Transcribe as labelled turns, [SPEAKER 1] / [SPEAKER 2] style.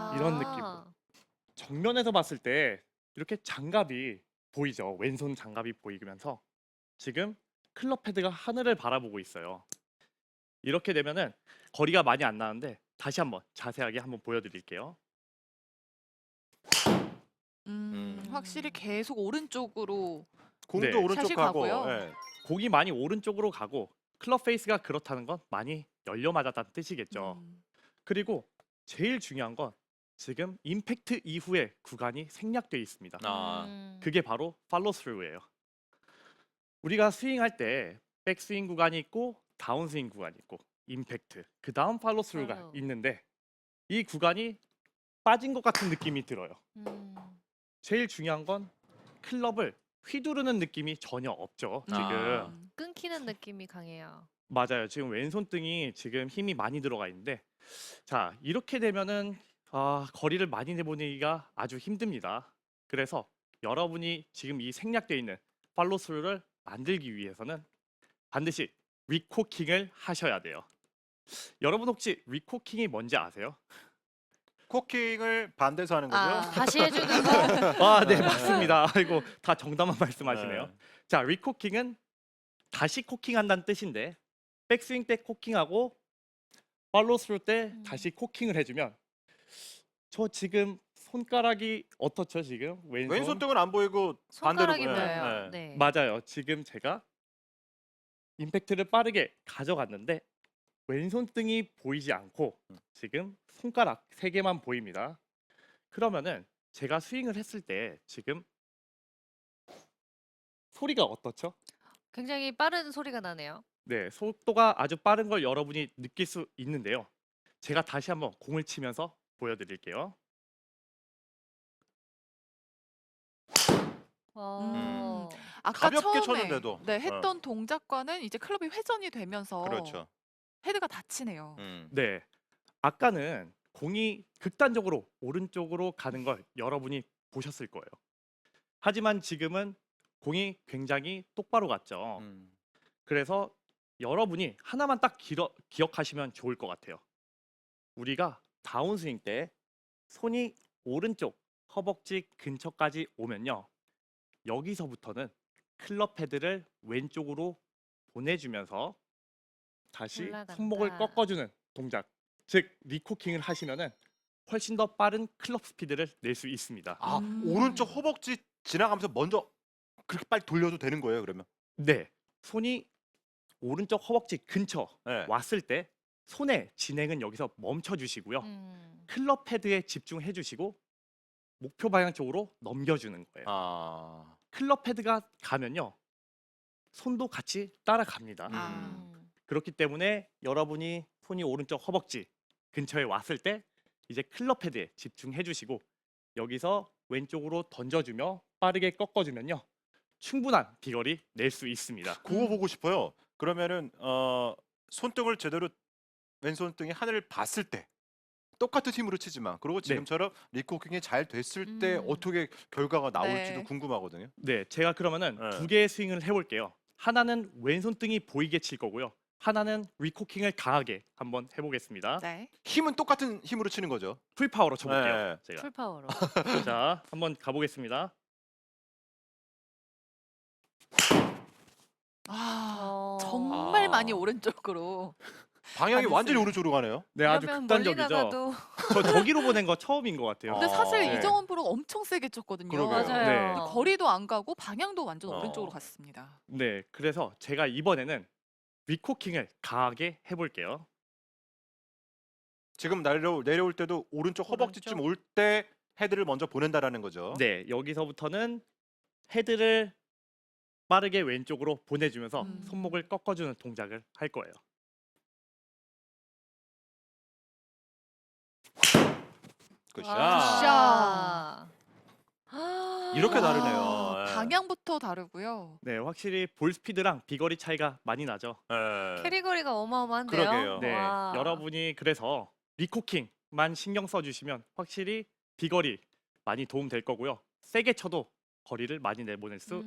[SPEAKER 1] 이런 느낌으로. 정면에서 봤을 때 이렇게 장갑이 보이죠. 왼손 장갑이 보이면서 지금 클럽 헤드가 하늘을 바라보고 있어요. 이렇게 되면은 거리가 많이 안 나는데 다시 한번 자세하게 한번 보여드릴게요.
[SPEAKER 2] 확실히 계속 오른쪽으로
[SPEAKER 1] 네,
[SPEAKER 3] 공도 오른쪽
[SPEAKER 2] 샷이
[SPEAKER 3] 가고.
[SPEAKER 2] 가고요.
[SPEAKER 3] 예.
[SPEAKER 1] 공이 많이 오른쪽으로 가고 클럽 페이스가 그렇다는 건 많이 열려 맞았다는 뜻이겠죠.
[SPEAKER 2] 음.
[SPEAKER 1] 그리고 제일 중요한 건 지금 임팩트 이후에 구간이 생략돼 있습니다. 그게 바로 팔로우 스루예요. 우리가 스윙할 때 백스윙 구간이 있고 다운스윙 구간이 있고 임팩트, 그 다음 팔로우 스루가
[SPEAKER 4] 팔로우.
[SPEAKER 1] 있는데 이 구간이 빠진 것 같은 느낌이 들어요. 제일 중요한 건 클럽을 휘두르는 느낌이 전혀 없죠. 지금
[SPEAKER 3] 아.
[SPEAKER 4] 끊기는 느낌이 강해요.
[SPEAKER 1] 맞아요. 지금 왼손등이 지금 힘이 많이 들어가 있는데 자 이렇게 되면은 거리를 많이 내보내기가 아주 힘듭니다. 그래서 여러분이 지금 이 생략되어 있는 팔로스루를 만들기 위해서는 반드시 리코킹을 하셔야 돼요. 여러분 혹시 리코킹이 뭔지 아세요?
[SPEAKER 3] 코킹을 반대서 하는 거죠?
[SPEAKER 4] 다시 해주는 거.
[SPEAKER 1] 네 맞습니다. 아이고 다 정답만 말씀하시네요.
[SPEAKER 3] 네.
[SPEAKER 1] 자 리코킹은 다시 코킹한다는 뜻인데 백스윙 때 코킹하고 팔로스루 때 다시 코킹을 해주면 저 지금 손가락이 어떻죠 지금
[SPEAKER 3] 왼손 등은 안 보이고 반대로
[SPEAKER 4] 손가락이
[SPEAKER 3] 보여요.
[SPEAKER 4] 보여요.
[SPEAKER 3] 네.
[SPEAKER 4] 네.
[SPEAKER 1] 맞아요. 지금 제가 임팩트를 빠르게 가져갔는데 왼손등이 보이지 않고 지금 손가락 3개만 보입니다. 그러면은 제가 스윙을 했을 때 지금 소리가 어떻죠?
[SPEAKER 4] 굉장히 빠른 소리가 나네요.
[SPEAKER 1] 네, 속도가 아주 빠른 걸 여러분이 느낄 수 있는데요. 제가 다시 한번 공을 치면서 보여드릴게요.
[SPEAKER 4] 어.
[SPEAKER 2] 아까
[SPEAKER 3] 가볍게
[SPEAKER 2] 처음에
[SPEAKER 3] 쳤는데도.
[SPEAKER 2] 했던 동작과는 이제 클럽이 회전이 되면서
[SPEAKER 3] 그렇죠.
[SPEAKER 2] 헤드가 다치네요.
[SPEAKER 1] 네, 아까는 공이 극단적으로 오른쪽으로 가는 걸 여러분이 보셨을 거예요. 하지만 지금은 공이 굉장히 똑바로 갔죠. 그래서 여러분이 하나만 딱 기억하시면 좋을 것 같아요. 우리가 다운스윙 때 손이 오른쪽 허벅지 근처까지 오면요. 여기서부터는 클럽 헤드를 왼쪽으로 보내주면서 다시
[SPEAKER 4] 올라간다.
[SPEAKER 1] 손목을 꺾어주는 동작, 즉 리코킹을 하시면은 훨씬 더 빠른 클럽 스피드를 낼 수 있습니다.
[SPEAKER 3] 오른쪽 허벅지 지나가면서 먼저 그렇게 빨리 돌려도 되는 거예요, 그러면?
[SPEAKER 1] 네, 손이 오른쪽 허벅지 근처
[SPEAKER 3] 네.
[SPEAKER 1] 왔을 때 손의 진행은 여기서 멈춰 주시고요.
[SPEAKER 4] 음.
[SPEAKER 1] 클럽 헤드에 집중해 주시고 목표 방향 쪽으로 넘겨주는 거예요. 클럽 헤드가 가면요. 손도 같이 따라갑니다. 그렇기 때문에 여러분이 손이 오른쪽 허벅지 근처에 왔을 때 이제 클럽 헤드에 집중해 주시고 여기서 왼쪽으로 던져주며 빠르게 꺾어주면요. 충분한 비거리 낼 수 있습니다.
[SPEAKER 3] 그거 보고 싶어요. 그러면은 손등을 제대로 왼손등이 하늘을 봤을 때 똑같은 힘으로 치지만 그리고 지금처럼 리코킹이 잘 됐을 때 어떻게 결과가 나올지도
[SPEAKER 2] 네.
[SPEAKER 3] 궁금하거든요.
[SPEAKER 1] 네, 제가 그러면은
[SPEAKER 3] 네.
[SPEAKER 1] 2개의 스윙을 해볼게요. 하나는 왼손등이 보이게 칠 거고요. 하나는 리코킹을 강하게 한번 해보겠습니다.
[SPEAKER 2] 네.
[SPEAKER 3] 힘은 똑같은 힘으로 치는 거죠.
[SPEAKER 1] 풀파워로 쳐볼게요.
[SPEAKER 3] 네.
[SPEAKER 1] 제가.
[SPEAKER 4] 풀파워로.
[SPEAKER 1] 자, 한번 가보겠습니다.
[SPEAKER 2] 정말
[SPEAKER 3] 아.
[SPEAKER 2] 많이 오른쪽으로.
[SPEAKER 3] 방향이
[SPEAKER 2] 안
[SPEAKER 3] 완전히
[SPEAKER 2] 했어요.
[SPEAKER 3] 오른쪽으로 가네요.
[SPEAKER 1] 네, 아주
[SPEAKER 4] 그러면 멀리
[SPEAKER 1] 극단적이죠.
[SPEAKER 4] 나가도
[SPEAKER 1] 저 저기로 보낸 거 처음인 것 같아요.
[SPEAKER 2] 근데 사실
[SPEAKER 1] 네.
[SPEAKER 2] 이정원 프로가 엄청 세게 쳤거든요.
[SPEAKER 3] 그러게요.
[SPEAKER 4] 맞아요.
[SPEAKER 1] 네.
[SPEAKER 2] 거리도 안 가고 방향도 완전
[SPEAKER 3] 어.
[SPEAKER 2] 오른쪽으로 갔습니다.
[SPEAKER 1] 네, 그래서 제가 이번에는 리코킹을 강하게 해볼게요.
[SPEAKER 3] 지금 내려올 때도 오른쪽 허벅지쯤 올 때 헤드를 먼저 보낸다라는 거죠.
[SPEAKER 1] 네, 여기서부터는 헤드를 빠르게 왼쪽으로 보내주면서 손목을 꺾어주는 동작을 할 거예요.
[SPEAKER 3] 굿샷.
[SPEAKER 4] 아.
[SPEAKER 3] 이렇게
[SPEAKER 2] 와,
[SPEAKER 3] 다르네요. 예.
[SPEAKER 2] 방향부터 다르고요.
[SPEAKER 1] 네, 확실히 볼 스피드랑 비거리 차이가 많이 나죠.
[SPEAKER 3] 예.
[SPEAKER 4] 캐리거리가 어마어마한데요.
[SPEAKER 3] 그러게요.
[SPEAKER 1] 네,
[SPEAKER 4] 와.
[SPEAKER 1] 여러분이 그래서 리코킹만 신경 써주시면 확실히 비거리 많이 도움 될 거고요. 세게 쳐도 거리를 많이 내보낼 수